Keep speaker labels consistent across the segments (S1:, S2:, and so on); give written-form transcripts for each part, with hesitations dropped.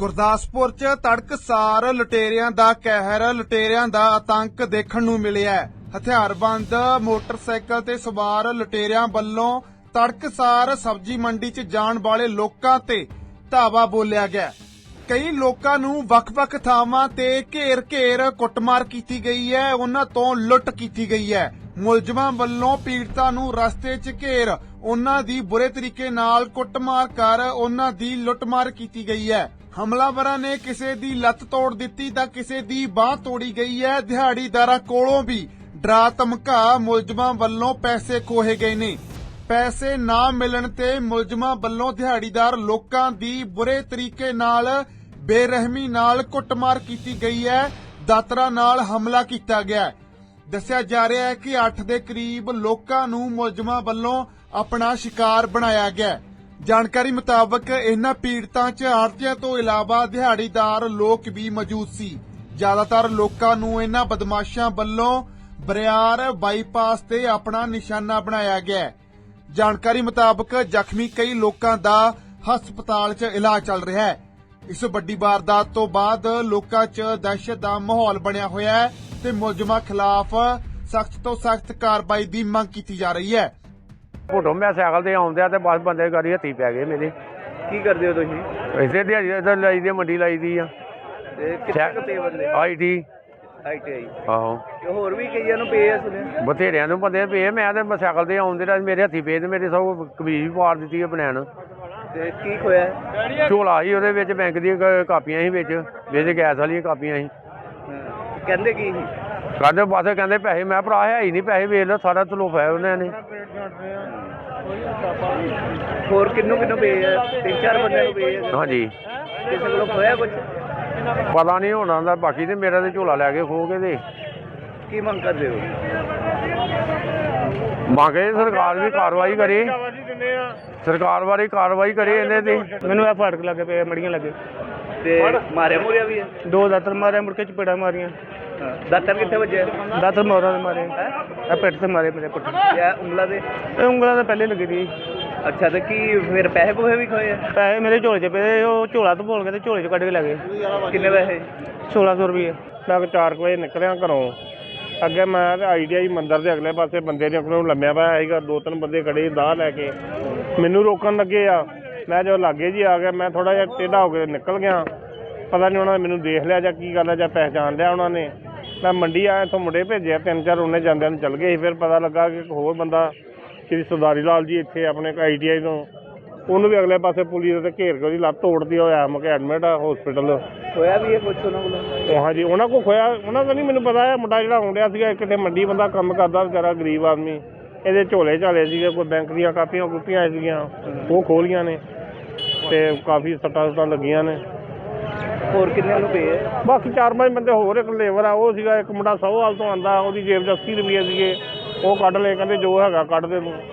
S1: ਗੁਰਦਾਸਪੁਰ 'ਚ ਤੜਕਸਾਰ ਲੁਟੇਰਿਆਂ ਦਾ ਕਹਿਰ, ਲੁਟੇਰਿਆਂ ਦਾ ਆਤੰਕ ਦੇਖਣ ਨੂੰ ਮਿਲਿਆ ਹੈ। ਹਥਿਆਰਬੰਦ ਮੋਟਰਸਾਈਕਲ ਤੇ ਸਵਾਰ ਲੁਟੇਰਿਆਂ ਵੱਲੋਂ ਤੜਕਸਾਰ ਸਬਜ਼ੀ ਮੰਡੀ 'ਚ ਜਾਣ ਵਾਲੇ ਲੋਕਾਂ ਤੇ ਧਾਵਾ ਬੋਲਿਆ ਗਿਆ। ਕਈ ਲੋਕਾਂ ਨੂੰ ਵੱਖ-ਵੱਖ ਥਾਵਾਂ ਤੇ ਘੇਰ-ਘੇਰ ਕੁੱਟਮਾਰ ਕੀਤੀ ਗਈ ਹੈ, ਉਹਨਾਂ ਤੋਂ ਲੁੱਟ ਕੀਤੀ ਗਈ ਹੈ। ਮੁਲਜ਼ਮਾਂ ਵੱਲੋਂ ਪੀੜਤਾਂ ਨੂੰ ਰਸਤੇ 'ਚ ਘੇਰ ਉਹਨਾਂ ਦੀ ਬੁਰੇ ਤਰੀਕੇ ਨਾਲ ਕੁੱਟਮਾਰ ਕਰ ਉਹਨਾਂ ਦੀ ਲੁੱਟਮਾਰ ਕੀਤੀ ਗਈ ਹੈ। ਹਮਲਾਵਰਾਂ ਨੇ ਕਿਸੇ ਦੀ ਲੱਤ ਤੋੜ ਦਿੱਤੀ ਤਾਂ ਕਿਸੇ ਦੀ ਬਾਂਹ ਤੋੜੀ ਗਈ ਹੈ। ਦਿਹਾੜੀਦਾਰਾਂ ਕੋਲੋਂ ਵੀ ਡਰਾ ਧਮਕਾ ਮੁਲਜ਼ਮਾਂ ਵੱਲੋਂ ਪੈਸੇ ਖੋਹੇ ਗਏ ਨੇ। ਪੈਸੇ ਨਾ ਮਿਲਣ ਤੇ ਮੁਲਜ਼ਮਾਂ ਵੱਲੋਂ ਦਿਹਾੜੀਦਾਰ ਲੋਕਾਂ ਦੀ ਬੁਰੇ ਤਰੀਕੇ ਨਾਲ ਬੇਰਹਿਮੀ ਨਾਲ ਕੁੱਟਮਾਰ ਕੀਤੀ ਗਈ ਹੈ। ਦਾਤਰਾਂ ਨਾਲ ਹਮਲਾ ਕੀਤਾ ਗਿਆ ਹੈ। ਦੱਸਿਆ ਜਾ ਰਿਹਾ ਹੈ ਕਿ 8 ਦੇ ਕਰੀਬ ਲੋਕਾਂ ਨੂੰ ਮੁਲਜ਼ਮਾਂ ਵੱਲੋਂ ਆਪਣਾ ਸ਼ਿਕਾਰ ਬਣਾਇਆ ਗਿਆ। ਜਾਣਕਾਰੀ ਮੁਤਾਬਕ ਇਹਨਾਂ ਪੀੜਤਾਂ 'ਚ ਆੜ੍ਹਤੀਆਂ ਤੋਂ ਇਲਾਵਾ ਦਿਹਾੜੀਦਾਰ ਲੋਕ ਵੀ ਮੌਜੂਦ ਸੀ। ਜ਼ਿਆਦਾਤਰ ਲੋਕਾਂ ਨੂੰ ਇਹਨਾਂ ਬਦਮਾਸ਼ਾਂ ਵੱਲੋਂ ਬਰਿਆਰ ਬਾਈਪਾਸ ਤੇ ਆਪਣਾ ਨਿਸ਼ਾਨਾ ਬਣਾਇਆ ਗਿਆ। ਜਾਣਕਾਰੀ ਮੁਤਾਬਕ ਜ਼ਖਮੀ ਕਈ ਲੋਕਾਂ ਦਾ ਹਸਪਤਾਲ 'ਚ ਇਲਾਜ ਚੱਲ ਰਿਹਾ ਹੈ। ਇਸ ਵੱਡੀ ਵਾਰਦਾਤ ਤੋਂ ਬਾਅਦ ਲੋਕਾਂ 'ਚ ਦਹਿਸ਼ਤ ਦਾ ਮਾਹੌਲ ਬਣਿਆ ਹੋਇਆ ਹੈ ਤੇ ਮੁਲਜ਼ਮਾਂ ਖਿਲਾਫ ਸਖਤ ਤੋਂ ਸਖਤ ਕਾਰਵਾਈ ਦੀ ਮੰਗ ਕੀਤੀ ਜਾ ਰਹੀ ਹੈ।
S2: ਫੋਟੋ ਮੈਂ ਸਾਈਕਲ ਤੇ ਆਉਂਦਿਆ ਤੇ ਬਸ ਬੰਦੇ ਗਾੜੀ ਹੱਥੀ ਪੈ ਗਏ ਮੇਰੇ।
S3: ਕੀ ਕਰਦੇ ਹੋ ਤੁਸੀਂ?
S2: ਇਸੇ ਦਿਹਾੜੀ ਇੱਧਰ ਲਾਈ ਦੀ ਮੰਡੀ ਲਾਈ ਦੀ ਆ।
S3: ਤੇ ਕਿੱਥੇ ਕੁ ਪਏ ਬੰਦੇ?
S2: ਆਈਟੀ ਆਹੋ
S3: ਤੇ ਹੋਰ ਵੀ ਕਈਆਂ ਨੂੰ ਪਏ ਆ ਸੁਣਿਆ।
S2: ਬਥੇਰਿਆਂ ਨੂੰ ਬੰਦੇ ਪਏ। ਮੈਂ ਤੇ ਸਾਈਕਲ ਤੇ ਆਉਂਦੇ ਰਾਜ ਮੇਰੇ ਹੱਥੀ ਪਏ ਤੇ ਮੇਰੇ ਸਭ ਕਮੀਜ਼ ਵੀ ਪਾੜ ਦਿੱਤੀ ਆ ਬਨੈਣ।
S3: ਤੇ ਕੀ ਖੋਇਆ?
S2: ਝੋਲਾ ਸੀ ਉਹਦੇ ਵਿੱਚ ਬੈਂਕ ਦੀਆਂ ਕਾਪੀਆਂ ਸੀ, ਵਿੱਚ ਗੈਸ ਵਾਲੀਆਂ ਕਾਪੀਆਂ ਸੀ।
S3: ਕਹਿੰਦੇ ਕੀ ਸੀ?
S2: ਕਹਿੰਦੇ ਬਸ ਕਹਿੰਦੇ ਪੈਸੇ। ਮੈਂ ਭਰਾ ਹੈ ਹੀ ਨਹੀਂ ਪੈਸੇ, ਵੇਚ ਲਓ ਸਾਰਾ ਤਲੋਫਾ ਉਹਨਾਂ ਨੇ।
S3: ਹੋਰ ਕਿੰਨੂੰ ਪਏ ਆ? 3-4 ਬੰਦਿਆਂ ਨੂੰ ਪਏ ਆ।
S2: ਹਾਂਜੀ
S3: ਕਿਸੇ ਕੋਲੋਂ ਖੋਇਆ ਕੁਝ?
S2: ਪਤਾ ਨਹੀਂ ਹੋਣਾ ਦਾ। ਬਾਕੀ ਤੇ ਮੇਰਾ ਤੇ ਝੋਲਾ ਲੈ ਕੇ ਖੋ ਕੇ ਤੇ
S3: ਕੀ ਮੰਗ ਕਰਦੇ ਹੋ?
S2: ਮੰਗੇ ਸਰਕਾਰ ਵੀ ਕਾਰਵਾਈ ਕਰੇ, ਸਰਕਾਰ ਬਾਰੇ ਕਾਰਵਾਈ ਕਰੇ ਇਹਨਾਂ ਤੇ।
S4: ਮੈਨੂੰ ਇਹ ਫਾੜਕ ਲੱਗੇ ਪਏ, ਮੜੀਆਂ ਲੱਗੇ
S3: ਤੇ ਮਾਰਿਆ ਮੁਰਿਆ ਵੀ ਹੈ?
S4: 2 ਦਾਤਰ ਮਾਰਿਆ, ਮੁੜ ਕੇ ਚਪੇੜਾਂ ਮਾਰੀਆਂ।
S3: ਦਾਤਰ ਕਿੱਥੇ ਵੱਜਿਆ?
S4: ਦਾਤਰ ਮੋਰਾਂ ਦੇ ਮਾਰੇ, ਇਹ ਪਿੱਠ ਤੇ ਮਾਰੇ ਮੇਰੇ ਪੁੱਠ।
S3: ਜਾਂ ਉਂਗਲਾਂ ਦੇ?
S4: ਇਹ ਉਂਗਲਾਂ ਤਾਂ ਪਹਿਲੇ ਲੱਗੀ ਸੀ।
S3: ਅੱਛਾ, ਤੇ ਕੀ ਫਿਰ ਪੈਸੇ ਪੂਸੇ ਵੀ ਖੋਏ ਆ?
S4: ਪੈਸੇ ਮੇਰੇ ਝੋਲੇ 'ਚ ਪਏ, ਉਹ ਝੋਲਾ ਤੋਂ ਭੋਲ ਕੇ ਤੇ ਝੋਲੇ 'ਚ ਕੱਢ ਕੇ ਲੈ ਗਏ।
S3: ਕਿੰਨੇ ਪੈਸੇ?
S4: 1600 ਰੁਪਏ।
S5: ਮੈਂ 4 ਵਜੇ ਨਿਕਲਿਆ ਘਰੋਂ। ਅੱਗੇ ਮੈਂ ਤੇ ਆਈਡੀਆਈ ਮੰਦਿਰ ਦੇ ਅਗਲੇ ਪਾਸੇ ਬੰਦੇ ਨੇ ਕੋਲੋਂ ਲੰਮਿਆ ਪਿਆ ਸੀਗਾ। 2-3 ਬੰਦੇ ਖੜੇ ਦਾਹ ਲੈ ਕੇ ਮੈਨੂੰ ਰੋਕਣ ਲੱਗੇ ਆ। ਮੈਂ ਜਦੋਂ ਲਾਗੇ ਜੀ ਆ ਗਿਆ, ਮੈਂ ਥੋੜ੍ਹਾ ਜਿਹਾ ਟੇਢਾ ਹੋ ਕੇ ਨਿਕਲ ਗਿਆ। ਪਤਾ ਨਹੀਂ ਉਹਨਾਂ ਨੇ ਮੈਨੂੰ ਦੇਖ ਲਿਆ ਜਾਂ ਕੀ ਗੱਲ ਹੈ, ਜਾਂ ਪਹਿਚਾਣ ਲਿਆ ਉਹਨਾਂ ਨੇ। ਮੈਂ ਮੰਡੀ ਆਇਆ, ਇੱਥੋਂ ਮੁੰਡੇ ਭੇਜਿਆ 3-4, ਉਹਨੇ ਜਾਂਦਿਆਂ ਨੂੰ ਚੱਲ ਗਏ ਸੀ। ਫਿਰ ਪਤਾ ਲੱਗਾ ਕਿ ਇੱਕ ਹੋਰ ਬੰਦਾ ਸ਼੍ਰੀ ਸਰਦਾਰੀ ਲਾਲ ਜੀ ਇੱਥੇ ਆਪਣੇ ITI ਤੋਂ, ਉਹਨੂੰ ਵੀ ਅਗਲੇ ਪਾਸੇ ਪੁਲਿਸ ਤੇ ਘੇਰ ਕੇ ਉਹਦੀ ਲੱਤ ਤੋੜਦੀ ਹੋਇਆ ਮੁਕੇ ਐਡਮਿਟ ਆ ਹਸਪੀਟਲ।
S3: ਖੋਇਆ ਵੀ ਇਹ ਕੁਛ ਉਹਨਾਂ ਕੋਲੋਂ?
S5: ਹਾਂਜੀ, ਉਹਨਾਂ ਕੋਲ ਖੋਇਆ। ਉਹਨਾਂ ਦਾ ਨਹੀਂ ਮੈਨੂੰ ਪਤਾ ਹੈ। ਮੁੰਡਾ ਜਿਹੜਾ ਆਉਂਦਿਆ ਸੀਗਾ ਕਿਤੇ ਮੰਡੀ ਬੰਦਾ ਕੰਮ ਕਰਦਾ ਵਿਚਾਰਾ, ਗਰੀਬ ਆਦਮੀ। ਇਹਦੇ ਝੋਲੇ ਝਾਲੇ ਸੀਗੇ, ਕੋਈ ਬੈਂਕ ਦੀਆਂ ਕਾਪੀਆਂ ਕੂਪੀਆਂ ਸੀਗੀਆਂ, ਉਹ ਖੋਲੀਆਂ ਨੇ ਤੇ ਕਾਫੀ ਸੱਟਾਂ ਲੱਗੀਆਂ ਨੇ।
S3: ਹੋਰ ਕਿੰਨੇ ਨੂੰ ਪਏ ਆ?
S5: ਬਾਕੀ 4-5 ਬੰਦੇ ਹੋਰ। ਇੱਕ ਲੇਬਰ ਆ ਉਹ ਸੀਗਾ, ਇੱਕ ਮੁੰਡਾ ਸੌਹਾਲ ਤੋਂ ਆਉਂਦਾ, ਉਹਦੀ ਜੇਬ 'ਚ 80 ਰੁਪਏ ਸੀਗੇ, ਉਹ ਕੱਢ ਲਏ। ਕਹਿੰਦੇ ਜੋ ਹੈਗਾ ਕੱਢ ਦੇ ਤੂੰ।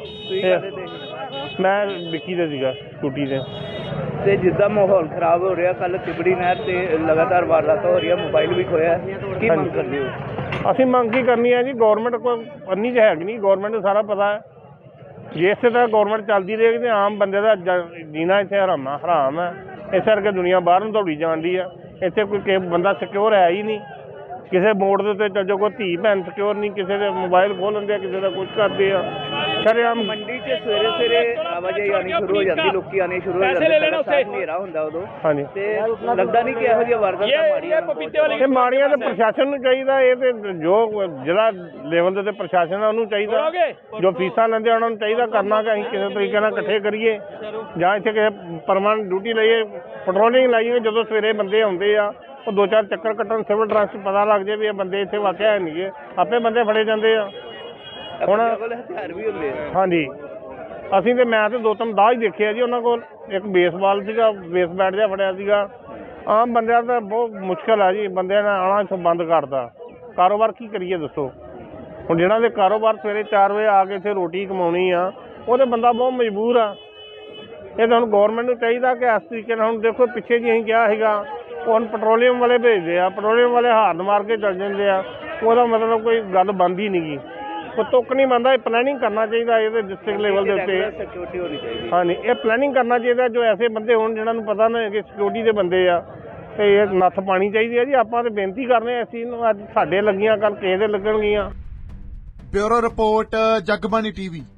S5: ਮੈਂ ਵਿੱਕੀ ਦੇ ਸੀਗਾ ਸਕੂਟੀ ਤੇ।
S3: ਤੇ ਜਿੱਦਾਂ ਮਾਹੌਲ ਖਰਾਬ ਹੋ ਰਿਹਾ, ਕੱਲ ਤਿਬੜੀ ਨਹਿਰ ਤੇ ਲਗਾਤਾਰ ਵਾਰਦਾਤਾਂ ਹੋ ਰਹੀਆਂ, ਮੋਬਾਈਲ ਵੀ ਖੋਇਆ, ਕੀ ਮੰਗ ਕਰਦੇ ਹੋ?
S5: ਅਸੀਂ ਮੰਗ ਕੀ ਕਰਨੀ ਹੈ ਜੀ? ਗੌਰਮੈਂਟ ਕੋਈ ਅੰਨੀ ਚ ਹੈਗੀ ਨਹੀਂ। ਗੌਰਮੈਂਟ ਨੂੰ ਸਾਰਾ ਪਤਾ ਹੈ। ਜੇ ਇਸੇ ਤਰ੍ਹਾਂ ਗੌਰਮੈਂਟ ਚੱਲਦੀ ਰਹੇਗੀ ਤਾਂ ਆਮ ਬੰਦੇ ਦਾ ਜੀਣਾ ਇੱਥੇ ਹਰਾਮ ਹੈ। ਇਸ ਕਰਕੇ ਦੁਨੀਆ ਬਾਹਰ ਨੂੰ ਦੌੜੀ ਜਾਂਦੀ ਆ। ਇੱਥੇ ਕੋਈ ਬੰਦਾ ਸਿਕਿਉਰ ਹੈ ਹੀ ਨਹੀਂ। ਕਿਸੇ ਮੋੜ ਦੇ ਉੱਤੇ ਚੱਲ ਜਾਓ, ਕੋਈ ਧੀ ਭੈਣ ਸਿਕਿਉਰ ਨਹੀਂ। ਕਿਸੇ ਦੇ ਮੋਬਾਈਲ ਖੋਹ ਲੈਂਦੇ ਆ, ਕਿਸੇ ਦਾ ਕੁਛ ਕਰਦੇ ਆ। ਸ਼ਰੇਆਮ
S3: ਮੰਡੀ 'ਚ ਸਵੇਰੇ ਆਵਾਜਾਈ ਆਉਣੀ ਸ਼ੁਰੂ ਹੋ ਜਾਂਦੀ, ਲੋਕੀ ਆਉਣੇ ਸ਼ੁਰੂ ਹੋ ਜਾਂਦੇ, ਹਨੇਰਾ ਹੁੰਦਾ ਉਦੋਂ।
S5: ਹਾਂਜੀ,
S3: ਤੇ ਲੱਗਦਾ ਨਹੀਂ ਕਿ ਇਹੋ ਜਿਹੀਆਂ ਵਾਰਦਾਤਾਂ ਮਾੜੀਆਂ?
S5: ਇਹ ਮਾੜੀਆਂ ਤਾਂ ਪ੍ਰਸ਼ਾਸਨ ਨੂੰ ਚਾਹੀਦਾ। ਇਹ ਤੇ ਜੋ ਜਿਹੜਾ ਲੈਵਲ ਦੇ ਉੱਤੇ ਪ੍ਰਸ਼ਾਸਨ ਆ ਉਹਨੂੰ ਚਾਹੀਦਾ। ਜੋ ਫੀਸਾਂ ਲੈਂਦੇ ਉਹਨਾਂ ਨੂੰ ਚਾਹੀਦਾ ਕਰਨਾ ਕਿ ਅਸੀਂ ਕਿਸੇ ਤਰੀਕੇ ਨਾਲ ਇਕੱਠੇ ਕਰੀਏ, ਜਾਂ ਇੱਥੇ ਕਿਸੇ ਪਰਮਾਨੈਂਟ ਡਿਊਟੀ ਲਈਏ, ਪੈਟਰੋਲਿੰਗ ਲਾਈਏ। ਜਦੋਂ ਸਵੇਰੇ ਬੰਦੇ ਆਉਂਦੇ ਆ, ਉਹ 2-4 ਚੱਕਰ ਕੱਟਣ, ਸਿਵਲ ਡਰੈਸ ਪਤਾ ਲੱਗ ਜਾਏ ਵੀ ਇਹ ਬੰਦੇ ਇੱਥੇ ਵਾਕਿਆ ਹੈ ਨਹੀਂ, ਆਪੇ ਬੰਦੇ ਫੜੇ ਜਾਂਦੇ ਆ। ਹੁਣ
S3: ਹਥਿਆਰ ਵੀ ਹੁੰਦੇ ਆ?
S5: ਹਾਂਜੀ, ਅਸੀਂ ਤੇ ਮੈਂ ਤੇ 2-3 ਦਾਹ ਹੀ ਦੇਖਿਆ ਜੀ ਉਹਨਾਂ ਕੋਲ। ਇੱਕ ਬੇਸਬਾਲ ਸੀਗਾ, ਬੇਸ ਬੈਟ ਜਿਹਾ ਫੜਿਆ ਸੀਗਾ। ਆਮ ਬੰਦਿਆਂ ਦਾ ਬਹੁਤ ਮੁਸ਼ਕਿਲ ਆ ਜੀ, ਬੰਦਿਆਂ ਨੇ ਆਉਣਾ ਇੱਥੋਂ ਬੰਦ ਕਰਤਾ। ਕਾਰੋਬਾਰ ਕੀ ਕਰੀਏ ਦੱਸੋ? ਹੁਣ ਜਿਹਨਾਂ ਦੇ ਕਾਰੋਬਾਰ ਸਵੇਰੇ 4 ਵਜੇ ਆ ਕੇ ਇੱਥੇ ਰੋਟੀ ਕਮਾਉਣੀ ਆ, ਉਹਦੇ ਬੰਦਾ ਬਹੁਤ ਮਜਬੂਰ ਆ। ਇਹ ਤਾਂ ਹੁਣ ਗੌਰਮੈਂਟ ਨੂੰ ਚਾਹੀਦਾ ਕਿ ਇਸ ਤਰੀਕੇ ਨਾਲ, ਹੁਣ ਦੇਖੋ ਪਿੱਛੇ ਜੀ ਅਸੀਂ ਕਿਹਾ ਸੀਗਾ, ਹੁਣ ਪੈਟਰੋਲੀਅਮ ਵਾਲੇ ਭੇਜਦੇ ਆ, ਪੈਟਰੋਲੀਅਮ ਵਾਲੇ ਹਾਰਨ ਮਾਰ ਕੇ ਚੱਲ ਜਾਂਦੇ ਆ। ਉਹਦਾ ਮਤਲਬ ਕੋਈ ਗੱਲ ਬਣਦੀ ਨਹੀਂ ਗੀ। ਉਹ ਤੁੱਕ ਨਹੀਂ ਮੰਨਦਾ, ਇਹ ਪਲੈਨਿੰਗ ਕਰਨਾ ਚਾਹੀਦਾ ਇਹਦੇ ਡਿਸਟ੍ਰਿਕਟ ਲੈਵਲ ਦੇ ਉੱਤੇ।
S3: ਸਿਕਿਉਰਿਟੀ ਹੋਣੀ ਚਾਹੀਦੀ।
S5: ਹਾਂਜੀ, ਇਹ ਪਲੈਨਿੰਗ ਕਰਨਾ ਚਾਹੀਦਾ, ਜੋ ਐਸੇ ਬੰਦੇ ਹੋਣ ਜਿਨ੍ਹਾਂ ਨੂੰ ਪਤਾ ਨਾ ਕਿ ਸਿਕਿਉਰਿਟੀ ਦੇ ਬੰਦੇ ਆ, ਤੇ ਇਹ ਨੱਥ ਪਾਣੀ ਚਾਹੀਦੀ ਹੈ ਜੀ। ਆਪਾਂ ਤੇ ਬੇਨਤੀ ਕਰਨੇ ਆ ਇਸ ਚੀਜ਼ ਨੂੰ, ਅੱਜ ਸਾਡੇ ਲੱਗੀਆਂ ਕੱਲ ਕਿਸੇ ਦੇ ਲੱਗਣਗੀਆਂ।
S1: Bureau report, Jagbani TV.